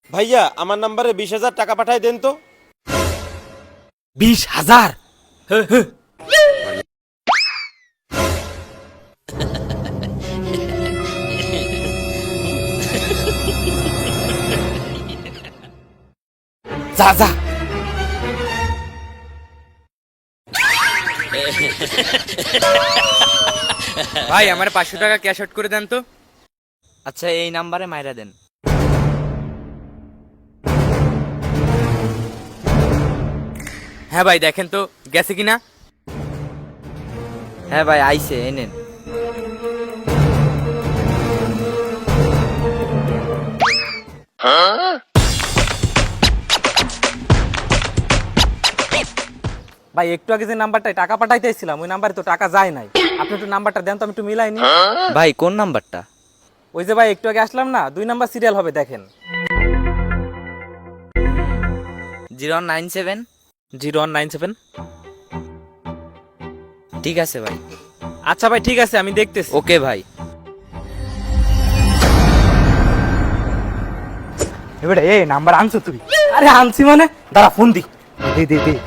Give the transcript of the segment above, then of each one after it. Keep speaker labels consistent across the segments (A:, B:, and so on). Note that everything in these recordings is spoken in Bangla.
A: ভাইয়া আমার নাম্বারে 20,000 টাকা পাঠায় দেন তো।
B: 20,000? যা যা।
C: ভাই আমার 500 টাকা ক্যাশ আউট করে দেন তো।
D: আচ্ছা এই নাম্বারে মাইরা দেন।
C: হ্যাঁ ভাই দেখেন তো গেছে কিনা।
D: হ্যাঁ ভাই আইছে, এই নেন।
B: ভাই একটু আগে যে নাম্বারটায় টাকা পাঠাইতেছিলাম ওই নাম্বারে তো টাকা যায় নাই। আপনি একটু নাম্বারটা দেন তো, আমি একটু মিলাইনি।
D: ভাই কোন নাম্বারটা?
B: ওই যে ভাই একটু আগে আসলাম না, 2 নাম্বার সিরিয়াল হবে, দেখেন।
D: 0197।
B: 0197।
D: ঠিক আছে ভাই।
B: আচ্ছা ভাই ঠিক আছে, আমি দেখতেছি।
D: ওকে ভাই।
C: এবারে এই নাম্বার আনছো তুই?
B: আরে আনছি মানে, দাঁড়া ফোন দি।
C: দে দে দে।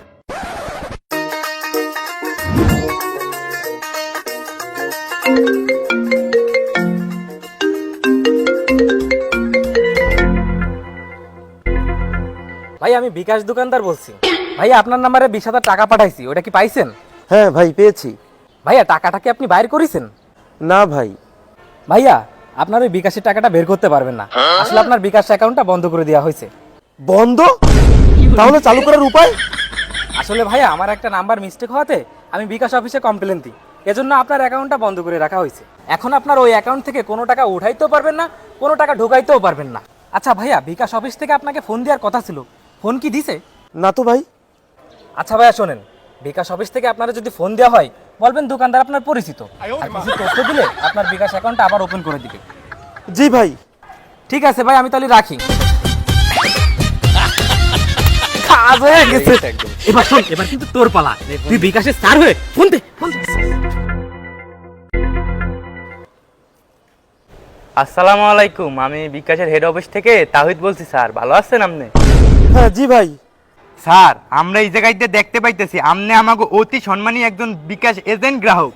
B: ভাই আমি বিকাশ দোকানদার বলছি। ভাই আপনার নাম্বারে 20,000 টাকা পাঠাইছি, ওটা কি পাইছেন?
A: হ্যাঁ ভাই পেয়েছি।
B: ভাইয়া টাকাটা কি আপনি বাইর করেছেন?
A: না ভাই।
B: ভাইয়া আপনার ওই বিকাশের টাকাটা বের করতে পারবেন না, আসলে আপনার বিকাশ অ্যাকাউন্টটা বন্ধ করে দেওয়া হয়েছে।
A: বন্ধ? তাহলে চালু করার উপায়?
B: আসলে ভাইয়া আমার একটা নাম্বার মিস্টেক হওয়াতে আমি বিকাশ অফিসে কমপ্লেন দিই, এজন্য আপনার অ্যাকাউন্টটা বন্ধ করে রাখা হয়েছে। এখন আপনার ওই অ্যাকাউন্ট থেকে কোনো টাকা উঠাইতেও পারবেন না, কোনো টাকা ঢোকাইতেও পারবেন না। আচ্ছা ভাইয়া বিকাশ অফিস থেকে আপনাকে ফোন দেওয়ার কথা ছিল, ফোন কি দিছে?
A: না তো ভাই।
B: আচ্ছা ভাইয়া শোনেন, বিকাশ অফিস থেকে আপনারা যদি ফোন দেওয়া হয় বলবেন দোকানদার আপনার পরিচিত, আর কিছু তথ্য দিলে আপনার বিকাশ অ্যাকাউন্টটা আবার ওপেন করে দিবে।
A: জি ভাই।
B: ঠিক আছে ভাই, আমি তাহলে রাখি। কাজ হয়ে গেছে। এবার শোন, এবার কিন্তু তোর পালা, তুই বিকাশের স্টার হয়ে ফোন দে, ফোন দে।
C: আসসালামু আলাইকুম, আমি বিকাশের হেড অফিস থেকে তাহিদ বলছি স্যার, ভালো আছেন আপনি?
A: হ্যাঁ জি ভাই।
C: স্যার আমরা এই জায়গাতে দেখতে পাইতেছি আপনি আমাকে অতি সম্মানী একজন বিকাশ এজেন্ট গ্রাহক।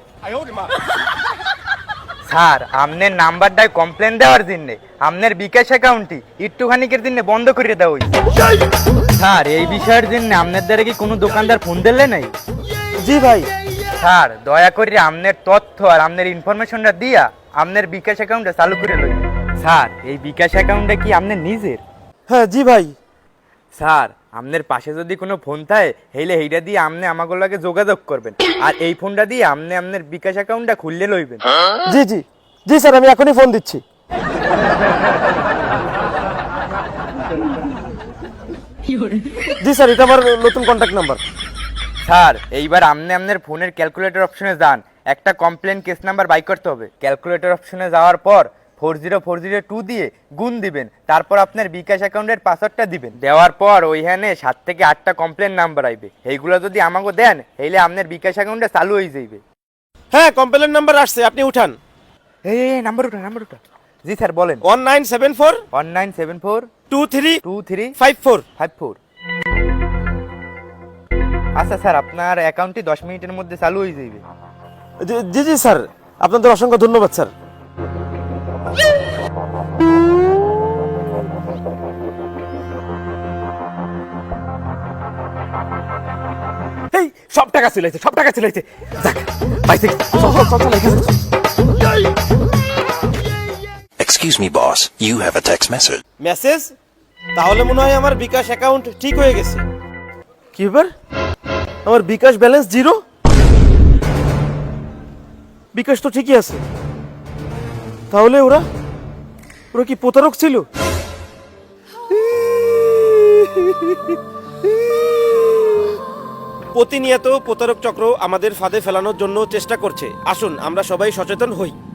C: স্যার আপনার নাম্বারটায় কমপ্লেন দেওয়ার জন্য আপনার বিকাশ অ্যাকাউন্টটি একটুখানিকের জন্য বন্ধ করে দেওয়া হয়েছে। স্যার এই বিষয়ের জন্য আপনার দ্বারা কি কোনো দোকানদার ফোন দিলে নাই?
A: জি ভাই।
C: স্যার দয়া করে আপনার তথ্য আর আপনার ইনফরমেশনটা দিয়া আপনার বিকাশ অ্যাকাউন্টটা চালু করে লই। স্যার এই বিকাশ অ্যাকাউন্টটা কি আপনার নিজের?
A: হ্যাঁ জি ভাই।
C: স্যার আপনার পাশে যদি কোনো ফোন থাকে হেলে এইটা দিয়ে আপনি আমাকে লাগে যোগাযোগ করবেন, আর এই ফোনটা দিয়ে আপনি আপনার বিকাশ অ্যাকাউন্টটা খুললে লইবেন।
A: জি জি জি স্যার, আমি এখনই ফোন দিচ্ছি। জি স্যার, এটা আমার নতুন কন্ট্যাক্ট নাম্বার।
C: স্যার এইবার আপনি আপনার ফোনের ক্যালকুলেটর অপশনে যান, একটা কমপ্লেন কেস নাম্বার বাই করতে হবে। ক্যালকুলেটর অপশনে যাওয়ার পর 40402 দিয়ে গুণ দিবেন, তারপর আপনার বিকাশ অ্যাকাউন্টের পাসওয়ার্ডটা দিবেন। দেওয়ার পর ওইখানে 7 থেকে 8টা কমপ্লেন নাম্বার আইবে, এইগুলো যদি আমাকে দেন হেলে আপনার বিকাশ অ্যাকাউন্টটা চালু হয়ে যাইবে।
A: হ্যাঁ কমপ্লেন নাম্বার আসছে, আপনি উঠান।
C: এই নাম্বার ওটা, নাম্বার ওটা। জি স্যার বলেন।
A: 1974
C: 1974
A: 23
C: 23
A: 54।
C: 54। আচ্ছা স্যার আপনার অ্যাকাউন্টটি 10 মিনিটের মধ্যে চালু হয়ে যাবে।
A: জি জি স্যার, আপনাদের অসংখ্য ধন্যবাদ স্যার।
B: এই সব টাকা চলেছে, সব টাকা চলেছে। যাক পাইছে, চল চল চল চল এখানে চল।
E: Excuse me, boss. You have a text message.
A: Message? তাহলে মনে হয় আমার বিকাশ অ্যাকাউন্ট ঠিক হয়ে গেছে। কি ব্যাপার, আমার বিকাশ ব্যালেন্স 0? বিকাশ তো ঠিকই আছে। তাহলে ওরা ওরা কি প্রতারক ছিল? প্রতিনিয়ত প্রতারক চক্র আমাদের ফাঁদে ফেলানোর জন্য চেষ্টা করছে। আসুন আমরা সবাই সচেতন হই।